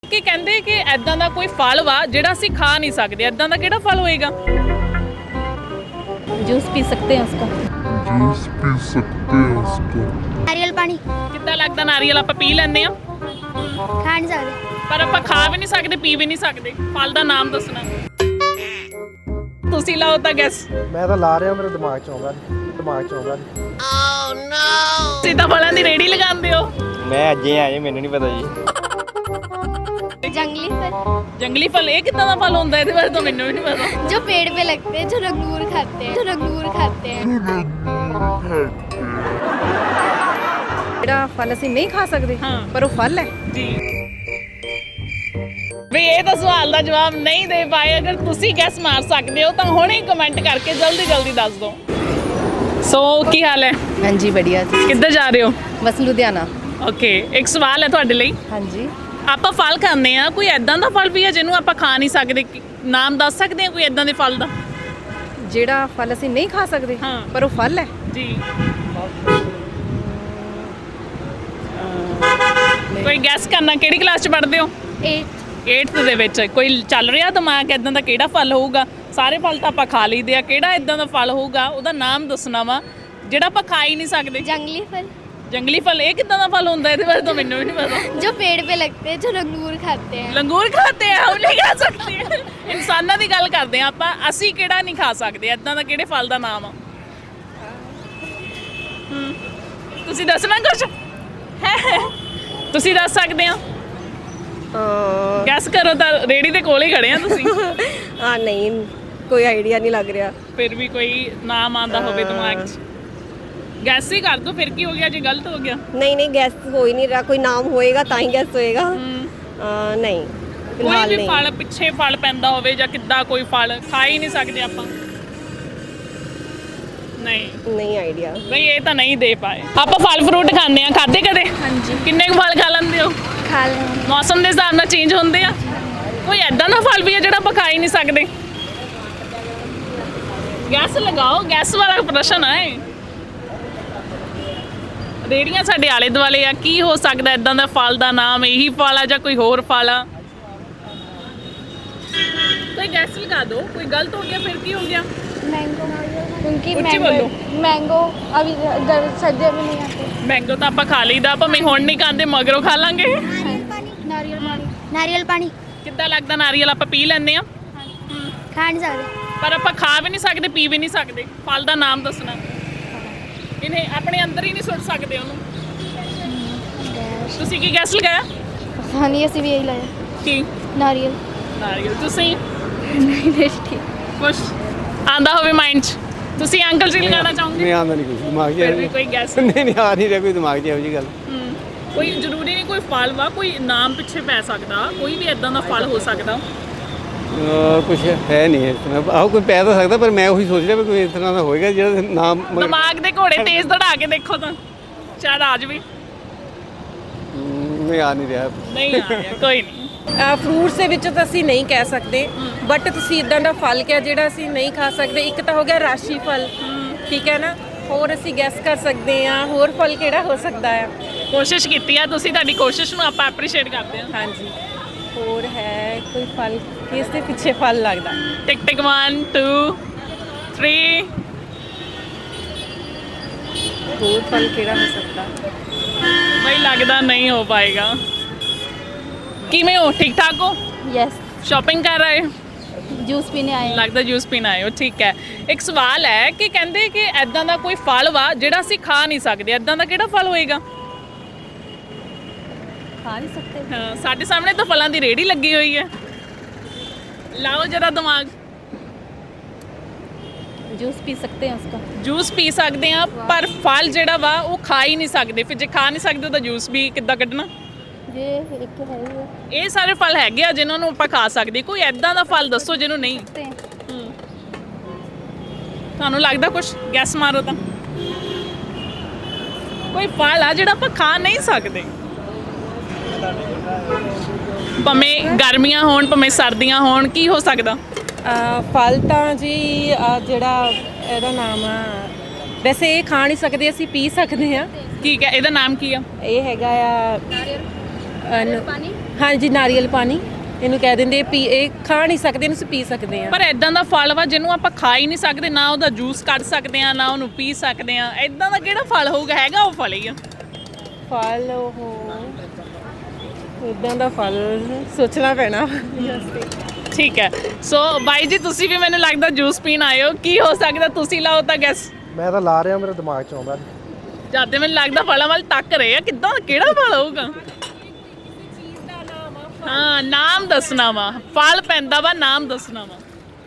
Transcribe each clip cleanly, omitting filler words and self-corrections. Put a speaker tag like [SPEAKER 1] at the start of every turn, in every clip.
[SPEAKER 1] कि कहते कि ऐदा का कोई फल वा जिहड़ा असीं खा नहीं सकते, ऐदा का किहड़ा फल होएगा?
[SPEAKER 2] जूस पी सकते हैं उसका।
[SPEAKER 3] जूस पी सकते हैं उसका।
[SPEAKER 4] नारियल पानी
[SPEAKER 1] किद्दां लगदा? नारियल आपां पी लैंदे आ
[SPEAKER 4] खा नहीं सकते।
[SPEAKER 1] पर आपां खा भी नहीं सकते, पी भी नहीं सकते। फल का नाम दसना, तुसीं लाओ तां गैस।
[SPEAKER 5] मैं तो ला रहा, मेरे दिमाग च आउंदा नहीं।
[SPEAKER 1] तुसीं तां फलां दी रेहड़ी लगांदे हो।
[SPEAKER 6] मैं अज ही आया, मैनू नहीं पता जी।
[SPEAKER 4] जंगली फल
[SPEAKER 1] जंगली फल ये कितना दा फल होंदा है? इहदे बारे तो मैनू भी नहीं पता।
[SPEAKER 4] जो पेड़ पे लगते हैं, जो अंगूर खाते हैं।
[SPEAKER 2] ਜਿਹੜਾ ਫਲ ਅਸੀਂ ਨਹੀਂ ਖਾ ਸਕਦੇ
[SPEAKER 1] ਹਾਂ।
[SPEAKER 2] ਪਰ ਉਹ ਫਲ ਹੈ।
[SPEAKER 1] जी ਵੀ ਇਹ ਤਾਂ ਸਵਾਲ ਦਾ ਜਵਾਬ ਨਹੀਂ ਦੇ ਪਾਏ। ਅਗਰ ਤੁਸੀਂ ਗੈਸ ਮਾਰ ਸਕਦੇ ਹੋ ਤਾਂ ਹੁਣੇ ਕਮੈਂਟ ਕਰਕੇ ਜਲਦੀ ਦੱਸ ਦਿਓ। ਸੋ ਕੀ ਹਾਲ ਹੈ?
[SPEAKER 2] हाँ जी बढ़िया जी।
[SPEAKER 1] ਕਿੱਧਰ ਜਾ ਰਹੇ ਹੋ?
[SPEAKER 2] बस लुधियाना।
[SPEAKER 1] ਓਕੇ, ਇੱਕ ਸਵਾਲ ਹੈ ਤੁਹਾਡੇ ਲਈ।
[SPEAKER 2] हाँ जी।
[SPEAKER 1] ਆਪਾਂ ਫਲ ਖਾਂਦੇ ਆ, ਕੋਈ ਐਦਾਂ ਦਾ ਫਲ ਵੀ ਹੈ ਜਿਹਨੂੰ ਆਪਾਂ ਖਾ ਨਹੀਂ ਸਕਦੇ? ਨਾਮ ਦੱਸ ਸਕਦੇ ਆ ਕੋਈ ਐਦਾਂ ਦੇ ਫਲ ਦਾ?
[SPEAKER 2] ਜਿਹੜਾ ਫਲ ਅਸੀਂ ਨਹੀਂ ਖਾ ਸਕਦੇ
[SPEAKER 1] ਹਾਂ।
[SPEAKER 2] ਪਰ ਉਹ ਫਲ ਹੈ।
[SPEAKER 1] ਜੀ ਕੋਈ ਗੈਸ ਕਰਨਾ, ਕਿਹੜੀ ਕਲਾਸ ਚ ਪੜ੍ਹਦੇ ਹੋ? 8th ਦੇ ਵਿੱਚ। ਕੋਈ ਚੱਲ ਰਿਹਾ ਦਿਮਾਗ ਐਦਾਂ ਦਾ ਕਿਹੜਾ ਫਲ ਹੋਊਗਾ? ਸਾਰੇ ਫਲ ਤਾਂ ਆਪਾਂ ਖਾ ਲਈਦੇ ਆ, ਕਿਹੜਾ ਐਦਾਂ ਦਾ ਫਲ ਹੋਊਗਾ ਉਹਦਾ ਨਾਮ ਦੱਸਣਾ ਵਾ ਜਿਹੜਾ ਆਪਾਂ ਖਾ ਹੀ ਨਹੀਂ ਸਕਦੇ?
[SPEAKER 4] जंगली फल
[SPEAKER 1] ਜੰਗਲੀ ਫਲ ਇਹ ਕਿੱਦਾਂ ਦਾ ਫਲ ਹੁੰਦਾ? ਇਹਦੇ ਬਾਰੇ ਤਾਂ ਮੈਨੂੰ ਵੀ ਨਹੀਂ ਪਤਾ।
[SPEAKER 4] जो पेड़ पे लगते हैं, जो अंगूर खाते हैं।
[SPEAKER 1] ਲੰਗੂਰ ਖਾਤੇ ਆ, ਉਹ ਨਹੀਂ ਖਾ ਸਕਦੇ। ਇਨਸਾਨਾਂ ਦੀ ਗੱਲ ਕਰਦੇ ਆ ਆਪਾਂ, ਅਸੀਂ ਕਿਹੜਾ ਨਹੀਂ ਖਾ ਸਕਦੇ? ਐਦਾਂ ਦਾ ਕਿਹੜੇ ਫਲ ਦਾ ਨਾਮ ਆ? ਤੁਸੀਂ ਦੱਸਣਾ ਕੁਛ? ਤੁਸੀਂ ਦੱਸ ਸਕਦੇ ਆ? ਗੈਸ ਕਰੋ ਤਾਂ, ਰੇੜੀ ਦੇ ਕੋਲ ਹੀ ਖੜੇ ਆ ਤੁਸੀਂ।
[SPEAKER 2] ਹਾਂ ਨਹੀਂ ਕੋਈ ਆਈਡੀਆ ਨਹੀਂ ਲੱਗ ਰਿਹਾ।
[SPEAKER 1] ਫਿਰ ਵੀ ਕੋਈ ਨਾਮ ਆਂਦਾ ਹੋਵੇ ਦਿਮਾਗ 'ਚ, ਗੈਸ ਹੀ ਕਰ ਦੋ। ਫਿਰ ਕੀ ਹੋ ਗਿਆ ਜੇ ਗਲਤ ਹੋ ਗਿਆ?
[SPEAKER 7] नहीं गैस हो ही नहीं रहा, कोई नाम होएगा ता ही गैस होएगा। नहीं
[SPEAKER 1] ਕੋਈ
[SPEAKER 7] फिलहाल
[SPEAKER 1] ਵੀ
[SPEAKER 7] नहीं।
[SPEAKER 1] ਫਲ ਪਿੱਛੇ ਫਲ ਪੈਂਦਾ ਹੋਵੇ ਜਾਂ ਕਿੱਦਾਂ, ਕੋਈ ਫਲ ਖਾ ਹੀ ਨਹੀਂ ਸਕਦੇ ਆਪਾਂ? ਨਹੀਂ
[SPEAKER 7] आइडिया।
[SPEAKER 1] ਬਈ ਇਹ ਤਾਂ ਨਹੀਂ ਦੇ ਪਾਏ। ਆਪਾਂ ਫਲ ਫਰੂਟ ਖਾਂਦੇ ਆ, ਖਾਦੇ ਕਦੇ? ਹਾਂਜੀ। ਕਿੰਨੇ ਕੁ ਫਲ ਖਾ ਲੈਂਦੇ ਹੋ?
[SPEAKER 4] खा लेंगे।
[SPEAKER 1] ਮੌਸਮ ਦੇ ਹਿਸਾਬ ਨਾਲ ਚੇਂਜ ਹੁੰਦੇ ਆ। ਕੋਈ ਐਦਾਂ ਦਾ ਫਲ ਵੀ ਹੈ ਜਿਹੜਾ ਆਪਾਂ ਖਾ ਹੀ ਨਹੀਂ ਸਕਦੇ? ਗੈਸ ਲਗਾਓ, ਗੈਸ ਵਾਲਾ ਪ੍ਰਸ਼ਨ ਹੈ। ਰੇੜੀਆਂ ਸਾਡੇ ਆਲੇ ਦੁਆਲੇ ਆ, ਕੀ ਹੋ ਸਕਦਾ ਐਦਾਂ ਦਾ ਫਲ ਦਾ ਨਾਮ? ਇਹੀ ਫਲ ਆ ਜਾਂ ਕੋਈ ਹੋਰ ਫਲ ਆ? ਕੋਈ ਗੈਸ ਲਗਾ ਦਿਓ। ਕੋਈ ਗਲਤ ਹੋ ਗਿਆ ਫਿਰ ਕੀ ਹੋ ਗਿਆ?
[SPEAKER 4] मैंगो, क्योंकि
[SPEAKER 1] ऊंची बोलो।
[SPEAKER 4] मैंगो अभी सर्दियों में नहीं आते।
[SPEAKER 1] ਮੈਂਗੋ ਤਾਂ ਆਪਾਂ ਖਾ ਲਈਦਾ, ਭਾਵੇਂ ਹੁਣ ਨਹੀਂ ਖਾਂਦੇ ਮਗਰੋਂ ਖਾ ਲਾਂਗੇ।
[SPEAKER 4] नारियल पानी
[SPEAKER 1] ਕਿੱਦਾਂ ਲੱਗਦਾ? ਨਾਰੀਅਲ ਆਪਾਂ ਪੀ ਲੈਂਦੇ ਆ
[SPEAKER 4] खा नहीं सकते।
[SPEAKER 1] ਪਰ ਆਪਾਂ ਖਾ ਵੀ ਨਹੀਂ ਸਕਦੇ, ਪੀ ਵੀ ਨਹੀਂ ਸਕਦੇ। ਫਲ ਦਾ ਨਾਮ ਦੱਸਣਾ। ਇਹਨੇ ਆਪਣੇ ਅੰਦਰ ਹੀ ਨਹੀਂ ਸੁੱਟ ਸਕਦੇ ਉਹਨੂੰ। ਤੁਸੀਂ ਕੀ ਗੈਸ ਲਗਾਇਆ?
[SPEAKER 4] हाँ नहीं, ऐसे भी यही लगा
[SPEAKER 1] ਕੀ?
[SPEAKER 4] नारियल।
[SPEAKER 1] ਨਾਰੀਅਲ। ਤੁਸੀਂ
[SPEAKER 4] नहीं टेस्टी।
[SPEAKER 1] ਕੁਛ ਆਂਦਾ ਹੋਵੇ ਮਾਈਂਡ 'ਚ? ਤੁਸੀਂ ਅੰਕਲ ਜੀ ਲਗਾਉਣਾ ਚਾਹੋਗੇ?
[SPEAKER 6] नहीं आंदा नहीं कुछ दिमाग
[SPEAKER 1] ਫਿਰ ਵੀ ਕੋਈ ਗੈਸ?
[SPEAKER 6] नहीं आ नहीं रहा कोई दिमाग च जी गल।
[SPEAKER 1] ਕੋਈ ਜ਼ਰੂਰੀ ਨਹੀਂ ਕੋਈ ਫਲ ਵਾ, ਕੋਈ ਨਾਮ ਪਿੱਛੇ ਪੈ ਸਕਦਾ, ਕੋਈ ਵੀ ਇਦਾਂ ਦਾ ਫਲ ਹੋ ਸਕਦਾ।
[SPEAKER 6] कुछ है नहीं है इस तरह। आहो कोई पै तो सकता, पर मैं वही सोच रहा कोई इस तरह का होएगा जो नाम
[SPEAKER 1] ਦਿਮਾਗ ਦੇ ਘੋੜੇ ਤੇਜ਼ ਦੌੜਾ ਕੇ ਦੇਖੋ ਤਾਂ ਸ਼ਾਇਦ ਆ ਜਾਵੇ।
[SPEAKER 6] नहीं आ नहीं रहा।
[SPEAKER 1] ਨਹੀਂ ਆ ਰਿਹਾ, ਕੋਈ ਨਹੀਂ।
[SPEAKER 2] ਫਰੂਟਸ ਦੇ ਵਿੱਚ ਤਾਂ ਅਸੀਂ ਨਹੀਂ ਕਹਿ ਸਕਦੇ, ਬਟ ਤੁਸੀਂ ਇਦਾਂ ਦਾ ਫਲ ਕਿਹਾ ਜਿਹੜਾ ਅਸੀਂ ਨਹੀਂ ਖਾ ਸਕਦੇ। ਇੱਕ ਤਾਂ ਹੋ ਗਿਆ ਰਾਸ਼ੀ ਫਲ, ਠੀਕ ਹੈ ਨਾ। ਹੋਰ ਅਸੀਂ ਗੈਸ ਕਰ ਸਕਦੇ ਹਾਂ ਹੋਰ ਫਲ ਕਿਹੜਾ ਹੋ ਸਕਦਾ ਆ।
[SPEAKER 1] ਕੋਸ਼ਿਸ਼ ਕੀਤੀ ਆ ਤੁਸੀਂ, ਤੁਹਾਡੀ ਕੋਸ਼ਿਸ਼ ਨੂੰ ਆਪਾਂ ਐਪਰੀਸ਼ੀਏਟ ਕਰਦੇ ਹਾਂ।
[SPEAKER 2] ਹਾਂਜੀ ਹੋਰ ਹੈ ਕੋਈ ਫਲ ਕਿਸ ਦੇ ਪਿੱਛੇ ਫਲ ਲੱਗਦਾ?
[SPEAKER 1] ਟਿਕ ਟਿਕ 1 2 3।
[SPEAKER 2] ਹੋਰ ਫਲ ਕਿਹੜਾ ਹੋ ਸਕਦਾ?
[SPEAKER 1] ਬਈ ਲੱਗਦਾ ਨਹੀਂ ਹੋ ਪਾਏਗਾ। ਕਿਵੇਂ ਹੋ? ਠੀਕ ਠਾਕ ਹੋ?
[SPEAKER 4] यस।
[SPEAKER 1] ਸ਼ਾਪਿੰਗ ਕਰ ਰਹੇ ਹੋ?
[SPEAKER 4] जूस पीने आए हैं।
[SPEAKER 1] ਲੱਗਦਾ ਜੂਸ ਪੀਣ ਆਏ ਹੋ, ਠੀਕ ਹੈ। ਇੱਕ ਸਵਾਲ ਹੈ ਕਿ ਕਹਿੰਦੇ ਕਿ ਐਦਾਂ ਦਾ ਕੋਈ ਫਲ ਵਾ ਜਿਹੜਾ ਅਸੀਂ ਖਾ ਨਹੀਂ ਸਕਦੇ, ਐਦਾਂ ਦਾ ਕਿਹੜਾ ਫਲ ਹੋਏਗਾ?
[SPEAKER 4] खा नहीं सकते।
[SPEAKER 1] ਹਾਂ, ਸਾਡੇ ਸਾਹਮਣੇ ਤਾਂ ਫਲਾਂ ਦੀ ਰੇਹੜੀ ਲੱਗੀ ਹੋਈ ਹੈ। ਲਾਓ ਜਰਾ ਦਿਮਾਗ।
[SPEAKER 2] ਜੂਸ ਪੀ ਸਕਦੇ ਹਾਂ ਉਸਕਾ।
[SPEAKER 1] ਜੂਸ ਪੀ ਸਕਦੇ ਆ, ਪਰ ਫਲ ਜਿਹੜਾ ਵਾ ਉਹ ਖਾ ਹੀ ਨਹੀਂ ਸਕਦੇ। ਫਿਰ ਜੇ ਖਾ ਨਹੀਂ ਸਕਦੇ ਤਾਂ ਜੂਸ ਵੀ ਕਿੱਦਾਂ ਕੱਢਣਾ?
[SPEAKER 4] ये एक है ये
[SPEAKER 1] ਇਹ ਸਾਰੇ ਫਲ ਹੈਗੇ ਆ ਜਿਨ੍ਹਾਂ ਨੂੰ ਆਪਾਂ ਖਾ ਸਕਦੇ। ਕੋਈ ਐਦਾਂ ਦਾ ਫਲ ਦੱਸੋ ਜਿਹਨੂੰ ਨਹੀਂ।
[SPEAKER 4] सकते हैं।
[SPEAKER 1] ਤੁਹਾਨੂੰ ਲੱਗਦਾ ਕੁਛ? ਗੈਸ ਮਾਰੋ ਤਾਂ। ਕੋਈ ਫਲ ਆ ਜਿਹੜਾ ਆਪਾਂ ਖਾ ਨਹੀਂ ਸਕਦੇ, ਭਾਵੇਂ ਗਰਮੀਆਂ ਹੋਣ ਭਾਵੇਂ ਸਰਦੀਆਂ ਹੋਣ। ਕੀ ਹੋ ਸਕਦਾ?
[SPEAKER 2] ਫਲ ਤਾਂ ਜੀ ਜਿਹੜਾ ਇਹਦਾ ਨਾਮ ਆ, ਵੈਸੇ ਇਹ ਖਾ ਨਹੀਂ ਸਕਦੇ, ਅਸੀਂ ਪੀ ਸਕਦੇ ਹਾਂ।
[SPEAKER 1] ਠੀਕ ਹੈ, ਇਹਦਾ ਨਾਮ ਕੀ ਆ?
[SPEAKER 2] ਇਹ ਹੈਗਾ ਆ ਹਾਂਜੀ ਨਾਰੀਅਲ ਪਾਣੀ ਇਹਨੂੰ ਕਹਿ ਦਿੰਦੇ ਪੀ ਇਹ ਖਾ ਨਹੀਂ ਸਕਦੇ ਇਹਨੂੰ ਅਸੀਂ ਪੀ ਸਕਦੇ ਆ
[SPEAKER 1] ਪਰ ਇਦਾਂ ਦਾ ਫਲ ਵਾ ਜਿਹਨੂੰ ਆਪਾਂ ਖਾ ਹੀ ਨਹੀਂ ਸਕਦੇ, ਨਾ ਉਹਦਾ ਜੂਸ ਕੱਢ ਸਕਦੇ ਆ, ਨਾ ਉਹਨੂੰ ਪੀ ਸਕਦੇ ਆ। ਇਦਾਂ ਦਾ ਕਿਹੜਾ ਫਲ ਹੋਊਗਾ? ਹੈਗਾ ਉਹ ਫਲ ਹੀ ਆ।
[SPEAKER 2] ਫਲ ਉਹ ਇਦਾਂ ਦਾ ਫਲ ਸੋਚਣਾ ਪੈਣਾ।
[SPEAKER 1] ਠੀਕ ਹੈ, ਸੋ ਬਾਈ ਜੀ ਤੁਸੀਂ ਵੀ ਮੈਨੂੰ ਲੱਗਦਾ ਜੂਸ ਪੀਣ ਆਏ ਹੋ। ਕੀ ਹੋ ਸਕਦਾ? ਤੁਸੀਂ ਲਾਓ ਤਾਂ ਗੈਸ।
[SPEAKER 5] ਮੈਂ ਤਾਂ ਲਾ ਰਿਹਾ, ਮੇਰੇ ਦਿਮਾਗ 'ਚ ਆਉਂਦਾ ਨਹੀਂ।
[SPEAKER 1] ਜਦ ਮੈਨੂੰ ਲੱਗਦਾ ਫਲਾਂ ਵੱਲ ਤੱਕ ਰਹੇ ਆ, ਕਿੱਦਾਂ ਕਿਹੜਾ ਫਲ ਹੋਊਗਾ? ਹਾਂ, ਨਾਮ ਦੱਸਣਾ ਵਾ। ਫਲ ਪੈਂਦਾ ਵਾ, ਨਾਮ ਦੱਸਣਾ ਵਾ।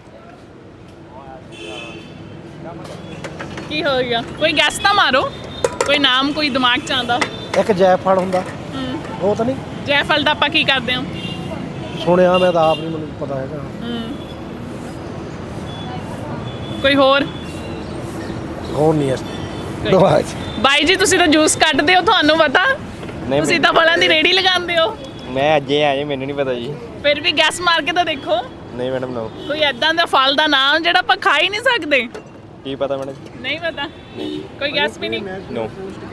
[SPEAKER 1] ਕੀ ਹੋ ਗਿਆ? ਕੋਈ ਗੈਸ ਤਾਂ ਮਾਰੋ, ਕੋਈ ਨਾਮ ਕੋਈ ਦਿਮਾਗ 'ਚ ਆਉਂਦਾ।
[SPEAKER 5] ਇੱਕ ਜੈਫਲ ਹੁੰਦਾ, ਉਹ ਤਾਂ ਨਹੀਂ
[SPEAKER 1] ਜੈਫਲ ਦਾ ਆਪਾਂ ਕੀ ਕਰਦੇ ਹਾਂ?
[SPEAKER 5] ਸੁਣਿਆ, ਮੈਂ ਤਾਂ ਆਪ ਨਹੀਂ, ਮੈਨੂੰ ਪਤਾ ਹੈਗਾ।
[SPEAKER 1] ਕੋਈ ਹੋਰ
[SPEAKER 5] ਨਹੀਂ ਇਸ ਦਿਮਾਗ 'ਚ।
[SPEAKER 1] ਬਾਈ ਜੀ ਤੁਸੀਂ ਤਾਂ ਜੂਸ ਕੱਢਦੇ ਹੋ, ਤੁਹਾਨੂੰ ਪਤਾ? ਤੁਸੀਂ ਤਾਂ ਫਲਾਂ ਦੀ ਰੇੜੀ ਲਗਾਉਂਦੇ ਹੋ।
[SPEAKER 8] ਮੈਂ ਅੱਜ ਹੀ ਆਇਆ, ਮੈਨੂੰ ਨਹੀਂ ਪਤਾ ਜੀ।
[SPEAKER 1] ਫਿਰ ਵੀ ਗੈਸ ਮਾਰ ਕੇ ਤਾਂ ਦੇਖੋ।
[SPEAKER 8] ਨਹੀਂ ਮੈਡਮ, ਨੋ।
[SPEAKER 1] ਕੋਈ ਐਦਾਂ ਦਾ ਫਲ ਦਾ ਨਾਮ ਜਿਹੜਾ ਆਪਾਂ ਖਾ ਹੀ ਨਹੀਂ ਸਕਦੇ।
[SPEAKER 8] ਕੀ ਪਤਾ ਮੈਡਮ?
[SPEAKER 1] ਨਹੀਂ ਪਤਾ? ਕੋਈ ਗੈਸ ਵੀ ਨਹੀਂ?
[SPEAKER 8] ਨੋ।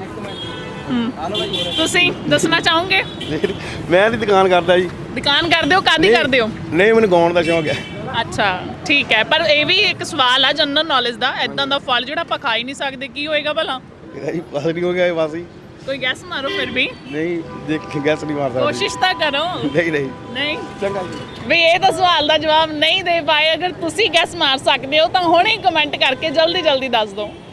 [SPEAKER 1] ਤੁਸੀਂ ਦੱਸਣਾ ਚਾਹੋਗੇ?
[SPEAKER 9] ਮੈਂ ਦੀ ਦੁਕਾਨ ਕਰਦਾ ਜੀ।
[SPEAKER 1] ਦੁਕਾਨ ਕਰਦੇ ਹੋ? ਕਾਦੀ ਕਰਦੇ ਹੋ?
[SPEAKER 9] ਨਹੀਂ, ਮੈਨੂੰ ਗਾਉਣ ਦਾ ਸ਼ੌਂਕ ਹੈ।
[SPEAKER 1] ਅੱਛਾ ਠੀਕ ਹੈ, ਪਰ ਇਹ ਵੀ ਇੱਕ ਸਵਾਲ ਆ ਜਨਰਲ ਨੌਲੇਜ ਦਾ। ਐਦਾਂ ਦਾ ਫਲ ਜਿਹੜਾ ਆਪਾਂ ਖਾ ਹੀ ਨਹੀਂ ਸਕਦੇ, ਕੀ ਹੋਏਗਾ ਭਲਾ?
[SPEAKER 9] ਇਹਦਾ ਜੀ ਬਸ ਨਹੀਂ ਹੋ ਗਿਆ, ਇਹ ਬਸ ਹੀ।
[SPEAKER 1] ਕੋਈ ਗੈਸ ਮਾਰੋ ਫਿਰ ਵੀ।
[SPEAKER 9] ਨਹੀਂ, ਦੇਖ ਗੈਸ ਨਹੀਂ ਮਾਰ ਸਕਦਾ।
[SPEAKER 1] ਕੋਸ਼ਿਸ਼ ਤਾਂ ਕਰੋ।
[SPEAKER 9] ਨਹੀਂ ਨਹੀਂ
[SPEAKER 1] ਨਹੀਂ
[SPEAKER 9] ਚੰਗਾ ਜੀ।
[SPEAKER 1] ਵੀ ਇਹ ਤਾਂ ਸਵਾਲ ਦਾ ਜਵਾਬ ਨਹੀਂ ਦੇ ਪਾਏ। ਅਗਰ ਤੁਸੀਂ ਗੈਸ ਮਾਰ ਸਕਦੇ ਹੋ ਤਾਂ ਹੁਣੇ ਕਮੈਂਟ ਕਰਕੇ ਜਲਦੀ ਜਲਦੀ ਦੱਸ ਦਿਓ।